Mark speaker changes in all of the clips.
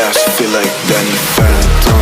Speaker 1: fast, feel like Danny Phantom.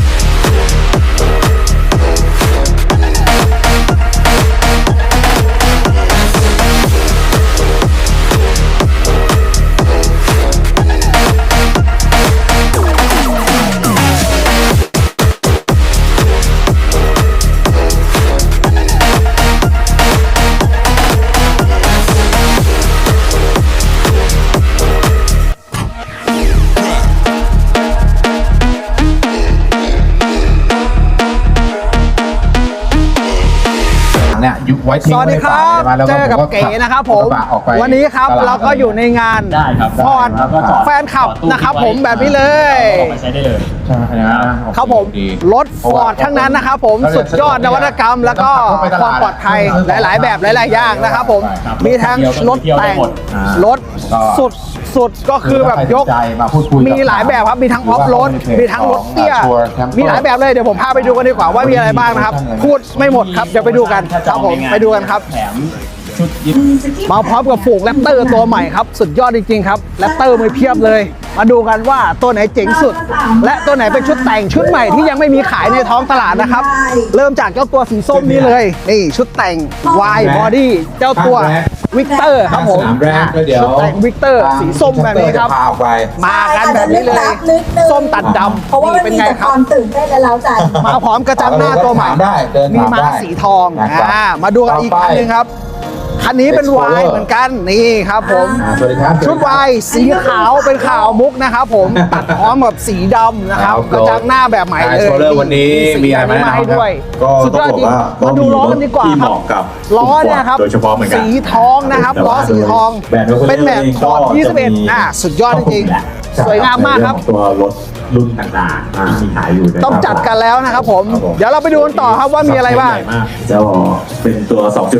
Speaker 2: ยุคไว้ทิ้ง
Speaker 3: สวัสดีครับ
Speaker 2: แล้ว
Speaker 3: เจอกับเก๋นะครับผมวันนี้ครับเราก็อยู่ในงาน
Speaker 4: ได้ครับ
Speaker 3: ฟอร์ดแฟนคลับนะครับผมแบบนี้เลย
Speaker 4: เอามาใช้ได้เลย
Speaker 2: ใช่นะครับ
Speaker 3: ผมรถฟอร์ดทั้งนั้นนะครับผมสุดยอดนวัตกรรม แล้วก็ความปลอดภัยหลายๆ แบบหลายๆอย่างนะครับผมมีทั้งรถแต่งรถสุดก็คือแบบยกมีหลายแบบครับมีทั้งออฟโรดมีทั้งรถเตี้ยมีหลายแบบเลยเดี๋ยวผมพาไปดูกันดีกว่าว่ามีอะไรบ้างนะครับพูดไม่หมดครับเดี๋ยวไปดูกันครับผมไปดูกันครับ
Speaker 4: แถมชุดยิป
Speaker 3: มาพร้อมกับฝูงแรปเตอร์ตัวใหม่ครับสุดยอดจริงๆครับแรปเตอร์มือเพียบเลย มาดูกันว่าตัวไหนเจ๋งสุด และตัวไหนเป็นชุดแต่งชุดใหม่ที่ยังไม่มีขายในท้องตลาดนะครับเริ่มจากเจ้าตัวสีส้มนี้เลยนี่ชุดแต่ง Y Body เจ้าตัววิกเตอร์ครับผมชุดแต่งวิกเตอร์สีส้มแบบนี้ครับมากันแบบนี้เลยส้มตัดดำ
Speaker 5: เพราะว่ามัน
Speaker 3: เป็น
Speaker 5: มี
Speaker 3: ไง
Speaker 5: แต่
Speaker 3: ค
Speaker 5: ครับ วามตื่นเต้นและเร้าใจ
Speaker 3: มาพร้อมกระจังหน้าตัวใหม่มีม้าสีทองมาดูกันอีกคันหนึงครับคันนี้เป็น Y เหมือนกันนี่ครับผมชุด Y สีขาวเป็นขาวมุกนะครับผมตัดพร้อมกับสีดำนะครับกระจังหน้าแบบใหม่เลย
Speaker 2: โชว์เลอร์วันนี้มีอะไรมาให้ด้วย
Speaker 6: ก็
Speaker 3: สุดยอดจริง
Speaker 6: ต้องบอกว่า
Speaker 3: มาดูล้อกันดีกว่า
Speaker 6: ที่
Speaker 3: ค
Speaker 6: เห
Speaker 3: รับ
Speaker 6: มาะกับ
Speaker 3: ล้อเนี่ยครับ
Speaker 6: โดยเฉพาะเหมือนกัน
Speaker 3: สีทองนะครับล้อสีทอง
Speaker 6: แบรนด์
Speaker 3: เป็นแบบถอด
Speaker 6: ก็จะมี
Speaker 3: 21สุดยอดจริงๆสวยงามมากครับ
Speaker 6: ตัวรถรุ่นต่างๆที่มีขายอยู่นะครับ
Speaker 3: ต้องจัดกันแล้วนะครับผมเดี๋ยวเราไปดูกันต่อครับว่ามีอะไรบ้าง
Speaker 6: จะเป็นตัว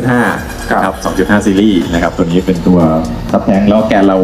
Speaker 6: 2.5 ครับ 2.5 ซีรีส์นะครับ ตัวนี้เป็นตัวซับแทงแล้วแกนเรา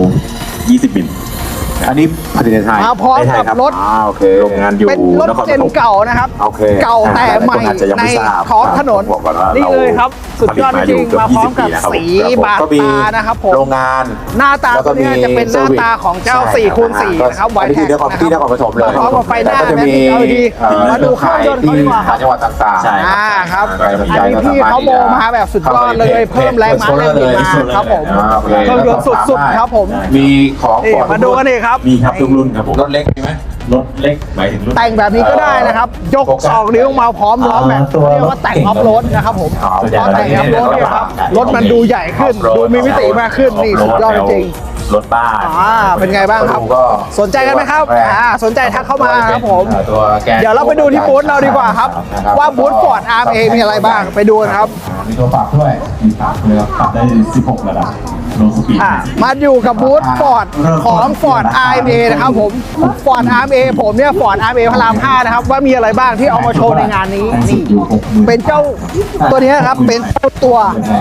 Speaker 6: 20 มิล
Speaker 2: อันนี้ผลิตในไทย
Speaker 3: มาพร้อมกับรถ
Speaker 2: โอเค
Speaker 6: โรงงานอยู่
Speaker 3: เป็นรถ
Speaker 6: นคร
Speaker 3: เจ
Speaker 6: ป
Speaker 3: น
Speaker 6: ฐม
Speaker 3: เก่านะครับ
Speaker 2: โอเค
Speaker 3: เก่าแต่ใหม่
Speaker 6: หลายคนอาจจะยัง
Speaker 3: ใน
Speaker 6: ไม่ทราบ
Speaker 3: ท้องถนน
Speaker 6: บอกก่อนว่า
Speaker 3: นี่เลยครับ สุดยอดจริงๆมาพร้อมกับ
Speaker 6: 20
Speaker 3: สีบาด
Speaker 2: ก็มี
Speaker 3: ตานะครับผม
Speaker 2: โรงงาน
Speaker 3: หน้าตา
Speaker 2: แล้วก็
Speaker 3: ตัวนี้จะเป็นหน้าตาของเจ้า 4x4 นะครับไว
Speaker 2: อันนี้
Speaker 3: แท็
Speaker 2: คือก ที่นครปฐมเลย
Speaker 3: มาพร้อมกับไฟหน้า
Speaker 2: แล้วก็จะมี
Speaker 3: และ LED มาดูเครื่องยนต์เขาดีกว่าครับ
Speaker 2: จังหวัดต่างๆ
Speaker 6: ใช่
Speaker 3: ครับ
Speaker 2: ใครสนใจ
Speaker 3: อันนี้
Speaker 2: ก็
Speaker 3: พี่เขาโมมาแบบสุดยอดเลยเพิ่มแรงม้าแรงบิดมาครับผมเครื่องยนต์สุดๆครับผม
Speaker 2: มีของ
Speaker 3: นี่มาดูกันเลยครับ
Speaker 6: มีครับทุกรุ่นครับผม
Speaker 2: รถเล็กมีไหม
Speaker 6: รถเล็กหมายถึงรุ่น
Speaker 3: แต่งแบบนี้ก็ได้นะครับ ยก2 นิ้วมาพร้อมล้อแม็ก
Speaker 6: ตัว
Speaker 3: เรียกว่าแต่งออฟโรดนะครับผม
Speaker 6: อ๋อ
Speaker 3: ล้อแต่งออฟโรดเนี่ยครับรถมันดูใหญ่ขึ้น ดูมีมิติมากขึ้นนี่สุดยอดจริง
Speaker 6: รถบ้าน
Speaker 3: เป็นไงบ้างครับ สนใจกันไหมครับสนใจทักเข้ามาครับผม
Speaker 2: ตัวแกน
Speaker 3: เดี๋ยวเราไปดูที่บูธเราดีกว่าครับ ว่าบูธฟอร์ด RMA มีอะไรบ้างไปดูกันครับ
Speaker 2: มีตัวปรับด้วย
Speaker 6: มีปรับเลยครับปรับได้ 16 ระดับโลสปีด
Speaker 3: มาอยู่กับบูธฟอร์ดของ Ford RMA นะครับผม Ford RMA ผมเนี่ย Ford RMA พระราม 5 นะครับว่ามีอะไรบ้างที่เอามาโชว์ในงานนี้นี่เป็นเจ้าตัวนี้นะครับเป็นเจ้าตัว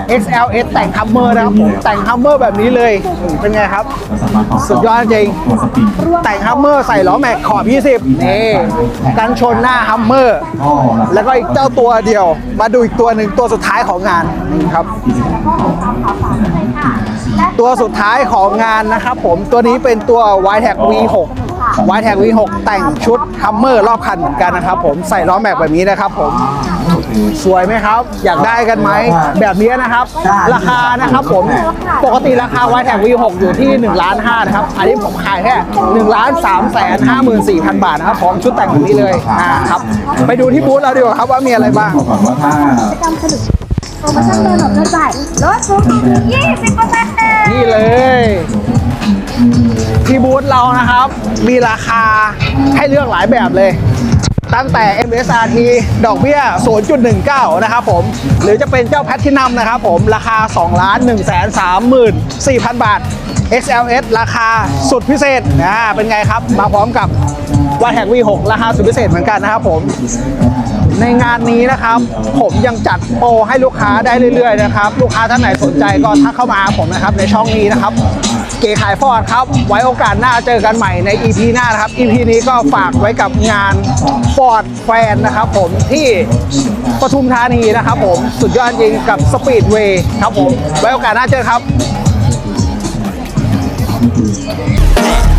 Speaker 3: XLS แต่งฮัมเมอร์นะครับผมแต่งฮัมเมอร์แบบนี้เลยเป็นไงครับ สุดยอดจริง
Speaker 6: ตัวสปีด
Speaker 3: แต่งฮัมเมอร์ใส่ล้อแม็กขอบ 20 นี่กันชนหน้าฮัมเมอร์แล้วก็อีกเจ้าตัวเดียว มาดูอีกตัวหนึ่งตัวสุดท้ายของงานนี่ครับ ตัวสุดท้ายของงานนะครับผมตัวนี้เป็นตัว YTAC V6 YTAC V6 แต่งชุดฮัมเมอร์รอบคันเหมือนกันนะครับผมใส่ล้อแม็กแบบนี้นะครับผมสวยไหมครับ อยากได้กันไหมแบบนี้นะครับ ราคานะครับผมปกติราคา YTAC V6 อยู่ที่1.5 ล้านนะครับอันนี้ผมขายแค่1,354,000 บาทนะครับพร้อมชุดแต่งแบบนี้เลยครับไปดูที่บูธเราดีกว่าครับว่ามีอะไรบ้าง
Speaker 6: บอกก่อนว่าถ้า
Speaker 5: โปรโมชั่นโดนหลบโดนจ่ายลดสูงสุด20%
Speaker 3: นี่เลย ที่บูธเรานะครับ มีราคาให้เลือกหลายแบบเลย ตั้งแต่ MSRT ดอกเบี้ย 0.19 นะครับผม หรือจะเป็นเจ้าแพททินัมนะครับผม ราคา 2,134,000 บาท XLS ราคาสุดพิเศษเป็นไงครับ มาพร้อมกับ YTAC V6 ราคาสุดพิเศษเหมือนกันนะครับผม ในงานนี้นะครับผมยังจัดโปรให้ลูกค้าได้เรื่อยๆนะครับลูกค้าท่านไหนสนใจก็ทักเข้ามาหาผมนะครับในช่องนี้นะครับเก๋ขายฟอร์ดครับไว้โอกาสหน้าเจอกันใหม่ใน EP หน้านะครับ EP นี้ก็ฝากไว้กับงานฟอร์ดแฟนนะครับผมที่ปทุมธานีนะครับผมสุดยอดจริงกับสปีดเวย์ครับผมไว้โอกาสหน้าเจอครับ